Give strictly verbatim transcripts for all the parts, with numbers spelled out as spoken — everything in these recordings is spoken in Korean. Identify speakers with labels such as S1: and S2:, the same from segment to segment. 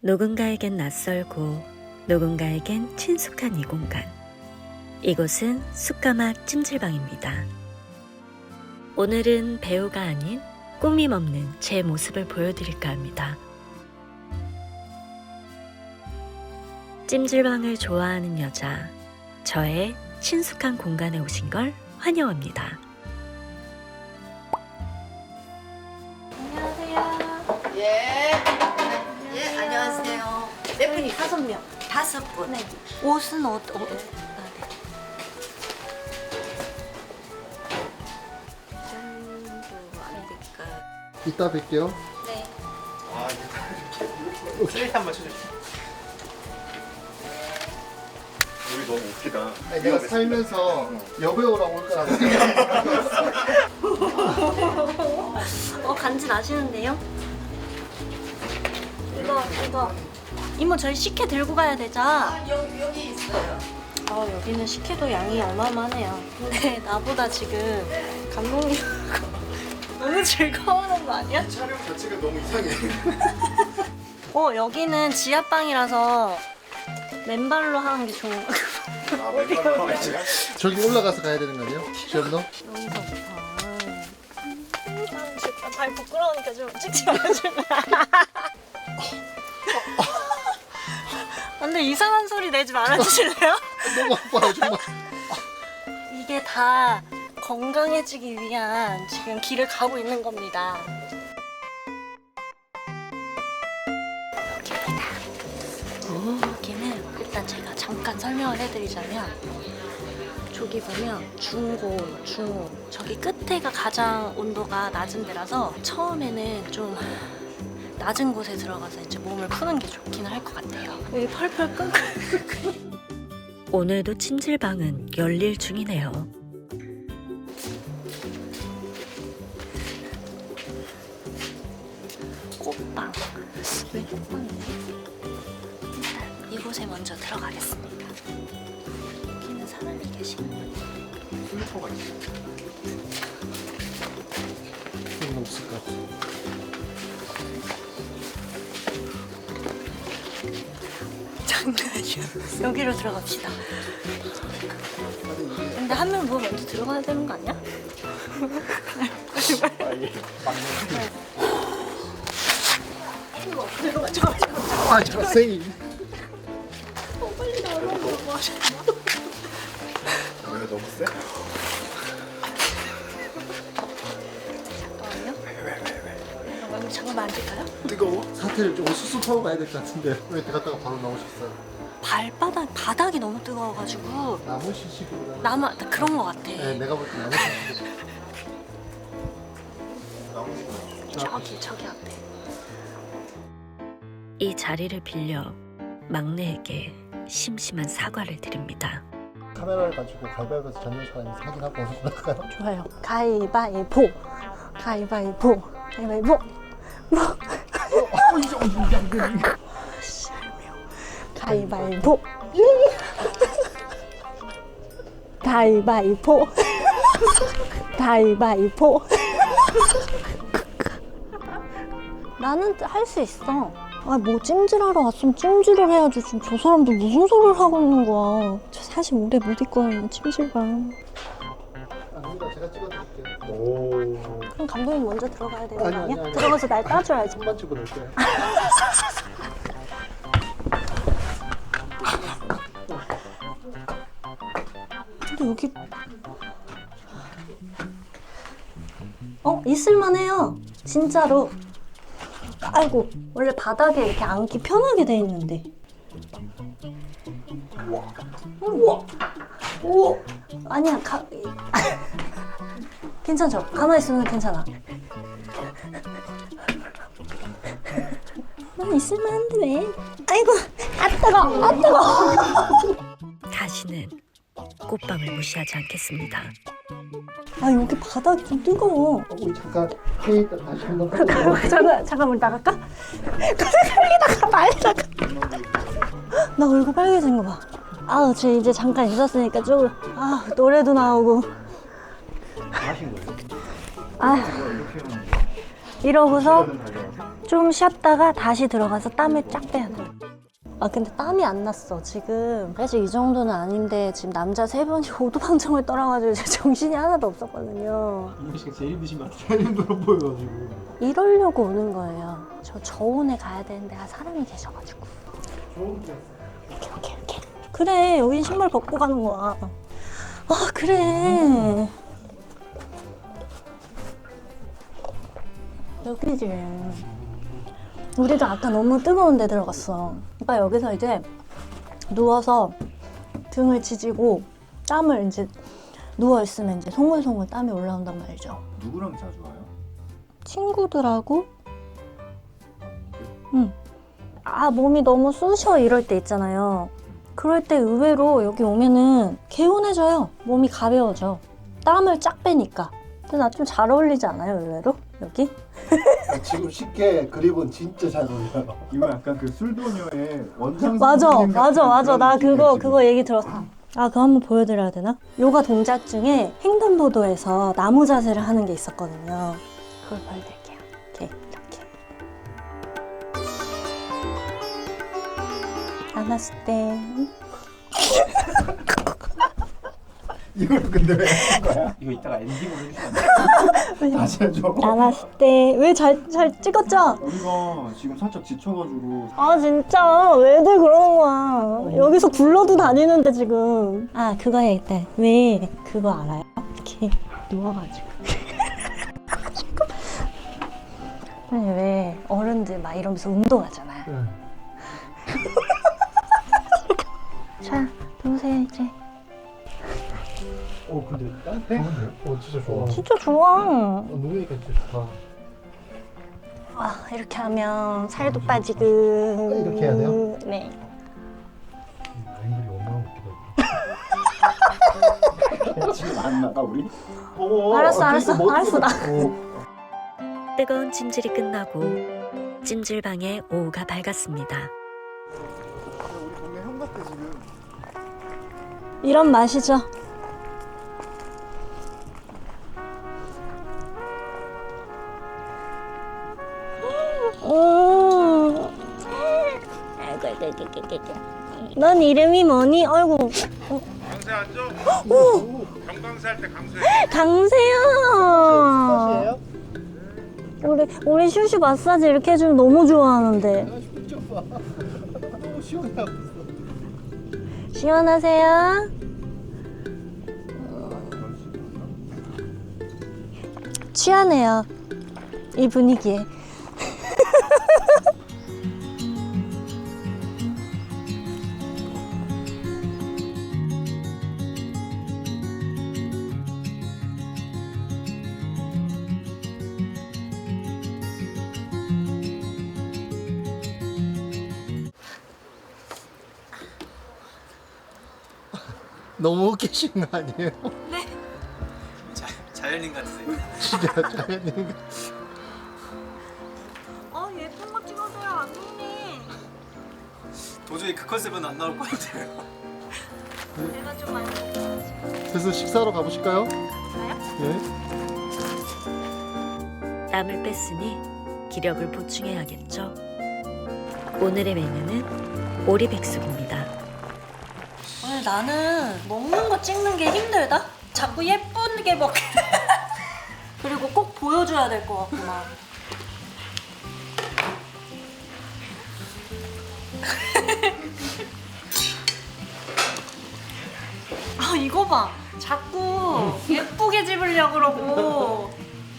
S1: 누군가에겐 낯설고 누군가에겐 친숙한 이 공간. 이곳은 숯가마 찜질방입니다. 오늘은 배우가 아닌 꾸밈 없는 제 모습을 보여드릴까 합니다. 찜질방을 좋아하는 여자, 저의 친숙한 공간에 오신 걸 환영합니다.
S2: 안녕하세요.
S3: 예. 예, 안녕하세요. 몇 분이?
S2: 다섯 명.
S3: 다섯 분.
S2: 네. 옷은 어, 어, 어, 아, 네.
S3: 정도 안 될까?
S4: 이따 뵐게요.
S2: 네.
S5: 아, 이거 슬레이트 한번 쳐주세요. 우리 너무 웃기다.
S4: 아니, 내가 살면서 여배우라고 올 거라고.
S2: 어, 간지 나시는데요? 이거, 이거. 이모, 저희 식혜 들고 가야 되죠?
S3: 아, 여기, 여기 있어요.
S2: 어, 여기는 식혜도 양이 어마어마하네요. 근데 나보다 지금 감독님 너무 즐거워하는 거 아니야?
S5: 촬영 자체가 너무 이상해.
S2: 어, 여기는 지하방이라서 맨발로 하는 게 좋은 거 같아요.
S5: 아, 맨발로 하면 제가?
S4: 저기 올라가서 가야 되는 거 아니에요? 시험도?
S2: 여기서부터. 발 부끄러우니까 좀 찍지 말아줄래? 근데 이상한 소리 내지 말아주실래요?
S4: 너무 아파요 정말.
S2: 이게 다 건강해지기 위한 지금 길을 가고 있는 겁니다. 여기입니다. 여기는 일단 제가 잠깐 설명을 해드리자면 저기 보면 중고, 중호 저기 끝에가 가장 온도가 낮은 데라서 처음에는 좀 낮은 곳에 들어가서 이제 몸을 푸는 게 좋기는 할 것 같아요. 여기 펄펄 끓고
S1: 오늘도 찜질방은 열일 중이네요.
S2: 꽃방. 왜 꽃방이지? 일단 이곳에 먼저 들어가겠습니다. 여기는 사람이 계시는
S5: 슬리퍼가 있어.
S4: 그건 없을 것 같아.
S2: 장난이야. 여기로 들어갑시다. 근데 한 명 뭐 먼저 들어가야 되는 거 아니야? 들어가, 들어가, 들어가.
S4: 아 자세히.
S2: 빨리 나오라고 뭐 하셨나?
S5: 왜 너무 세?
S2: 잠깐만요. 여기 잠깐만 앉을까요?
S5: 뜨거워?
S4: 사태를 좀 수습하고 가야 될 것 같은데 왜 들어갔다가 바로 나오셨어요?
S2: 발바닥, 바닥이 너무 뜨거워가지고
S4: 나무 시식으로.
S2: 나만 그런 거 같아.
S4: 네, 내가 볼 때 나무 시식.
S2: 저기, 저기 앞에.
S1: 이 자리를 빌려 막내에게 심심한 사과를 드립니다.
S4: 카메라를 가지고 가위바위보에서 졌는 사람이 사진하고 어디서 나갈까요?
S2: 좋아요. 가위바위보. 가위바위보. 가위바위보. 뭐? 가위바위보. 가위바위보. 가위바위보. 나는 할 수 있어. 아, 뭐 찜질하러 왔으면 찜질을 해야지. 지금 저 사람들 무슨 소리를 하고 있는 거야. 저 사실 오래 못 있거든요, 찜질방.
S4: 아닙니다. 제가 찍어드릴게요.
S5: 오.
S2: 그럼 감독님 먼저 들어가야 되는 거
S4: 아니,
S2: 아니야?
S4: 아니, 아니.
S2: 들어가서 날 따줘야지.
S4: 손만 찍어놓을게요.
S2: 근데 여기 어? 있을만해요. 진짜로. 아이고, 원래 바닥에 이렇게 앉기 편하게 돼 있는데. 우와. 우와. 아니야, 가... 괜찮죠? 가만히 있으면 괜찮아. 난 있을만한데 왜? 아이고, 아 뜨거, 아 뜨거.
S1: 다시는 꽃방을 무시하지 않겠습니다.
S2: 아, 여기 바닥이 좀 뜨거워.
S4: 어, 우리 잠깐 회의 있다 다시 한번 하고.
S2: 잠깐, 잠깐, 우리 나갈까? 빨리 나가, 빨리 나가. 나 얼굴 빨개진 거 봐. 아우, 저 이제 잠깐 있었으니까 좀, 아, 노래도 나오고.
S5: 하신 거예요?
S2: 아, 이러고서 좀 쉬었다가 다시 들어가서 땀을 쫙 빼야 돼. 아 근데 땀이 안 났어 지금. 사실 이 정도는 아닌데 지금 남자 세 분이 오두방정을 떨어가지고 제 정신이 하나도 없었거든요.
S5: 이모 씨가 제일 힘드신 것 같아요.
S4: 제일 힘들어 보여가지고.
S2: 이러려고 오는 거예요. 저 저온에 가야 되는데 아 사람이 계셔가지고. 이렇게 이렇게 이렇게. 그래 여긴 신발 벗고 가는 거야. 아 그래. 여기지. 우리도 아까 너무 뜨거운 데 들어갔어. 그러니까 여기서 이제 누워서 등을 지지고 땀을 이제 누워있으면 이제 송글송글 땀이 올라온단 말이죠.
S6: 누구랑 자주 와요?
S2: 친구들하고 응. 아 몸이 너무 쑤셔 이럴 때 있잖아요. 그럴 때 의외로 여기 오면은 개운해져요. 몸이 가벼워져. 땀을 쫙 빼니까. 근데 나 좀 잘 어울리지 않아요 의외로? 여기?
S4: 지금 쉽게 그립은 진짜 잘 어울려요.
S6: 이거 약간 그 술도녀의 원장
S2: 맞아
S6: 선생님
S2: 맞아
S6: 같은
S2: 맞아
S6: 그런
S2: 나
S6: 느낌이에요,
S2: 그거
S6: 지금.
S2: 그거 얘기 들었어. 아 그거 한번 보여드려야 되나? 요가 동작 중에 횡단보도에서 나무 자세를 하는 게 있었거든요. 그걸 보여드릴게요. 이렇게 이렇게 안았을 때
S6: 이걸 근데 왜 하는 거야?
S5: 이거 이따가 엔딩으로 해주시면 안 돼요?
S6: 다시 해줘.
S2: 안았을 때 왜 잘 잘 찍었죠?
S6: 우리가 지금 살짝 지쳐가지고
S2: 아 진짜 왜들 그러는 거야. 여기서 굴러도 다니는데 지금. 아 그거 해야겠다. 왜 그거 알아요? 이렇게 누워가지고 아니 왜 어른들 막 이러면서 운동하잖아.
S4: 네.
S2: 자 누우세요 이제.
S4: 어 근데 따뜻해? 어 진짜 좋아.
S2: 진짜 좋아.
S4: 어, 누우니까 진짜 좋다.
S2: 아 이렇게 하면 살도 빠지고.
S4: 이렇게 해야 돼요?
S2: 네.
S4: 앵글이 얼마나 웃기다.
S6: 지금 안 나가 우리?
S4: 어,
S2: 알았어,
S4: 아,
S2: 알았어,
S4: 그러니까
S2: 알았어, 나.
S4: 어,
S1: 뜨거운 찜질이 끝나고 찜질방의 오후가 밝았습니다.
S4: 우리 동네 형 같아 지금.
S2: 이런 맛이죠. 음. 넌 이름이 뭐니? 아이고.
S7: 강세 앉아. 경강세 할 때 강세.
S2: 강세야.
S4: 사시예요?
S2: 우리 우리 슈슈 마사지 이렇게 해주면 너무 좋아하는데.
S4: 좀 봐. 너무 시원하고 있어.
S2: 시원하세요? 취하네요. 이 분위기에.
S4: 너무 웃기신 거 아니에요?
S5: 자, 자연인 같으세요.
S4: 진짜 자연인 거.
S2: 어 예쁜 거 찍어줘요 안동님.
S5: 도저히 그 컨셉은 안 나올 것 같아요.
S2: 내가 좀 많이 먹어야지.
S4: 그래서 식사하러 가보실까요?
S2: 가요?
S4: 예.
S1: 땀을 뺐으니 기력을 보충해야겠죠. 오늘의 메뉴는 오리백숙입니다.
S2: 오늘 나는 먹는 거 찍는 게 힘들다? 자꾸 예쁘게 먹게 그리고 꼭 보여줘야 될 것 같구만. 아 이거 봐 자꾸 예쁘게 집으려고 그러고.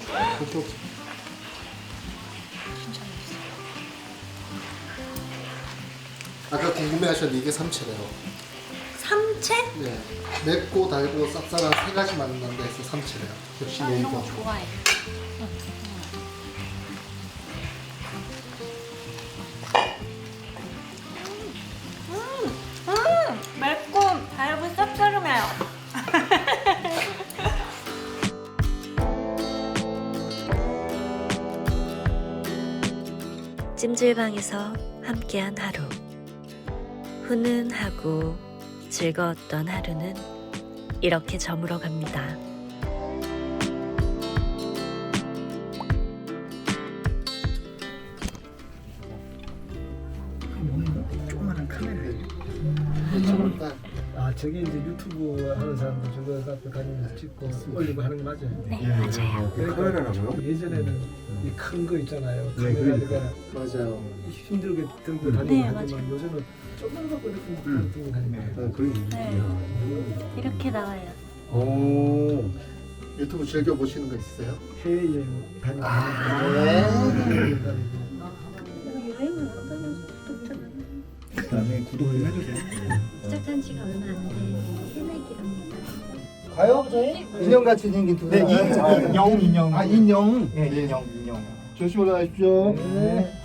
S4: 아까 궁금해하셨는데 이게 삼채래요.
S2: 삼채?
S4: 네. 맵고 달고 쌉쌀한 세 가지 만난다 해서 삼채래요. 역시
S2: 나 이런 거
S4: 네이버.
S2: 좋아해. 음, 음, 맵고 달고 쌉싸름해요.
S1: 찜질방에서 함께한 하루. 훈훈하고 즐거웠던 하루는 이렇게 저물어 갑니다.
S4: 큰일이에요. 저번 달
S6: 아 저게 이제 유튜브 하는 사람들 저거 앞에 다니면서 찍고 올리고 하는 거 맞아요?
S2: 네, 맞아요.
S6: 그러니까 예전에는 이 큰 거 있잖아요.
S8: 네,
S6: 카메라가
S4: 맞아요.
S6: 힘들게 들고
S2: 네,
S6: 다니고
S2: 맞아요.
S6: 하지만 요즘은 조금만 갖고 이렇게
S8: 음.
S6: 들고 다니면
S8: 어, 그래.
S2: 네. 이렇게 나와요.
S8: 오.
S4: 유튜브 즐겨 보시는 거 있어요?
S6: 해외여행 다니고
S4: 네.
S6: 다니고
S2: 유행을 어떤 독자는
S8: 나중에 구독 좀 해주세요.
S9: 시작한 지가 얼마 안 된 새내기랍니다.
S6: 가요 저희?
S4: 인형같이 생긴 두
S6: 네,
S4: 사람.
S6: 인, 인형 인형
S4: 아 인형.
S6: 네, 인형 인형
S4: 조심히 올라가십시오.
S6: 네.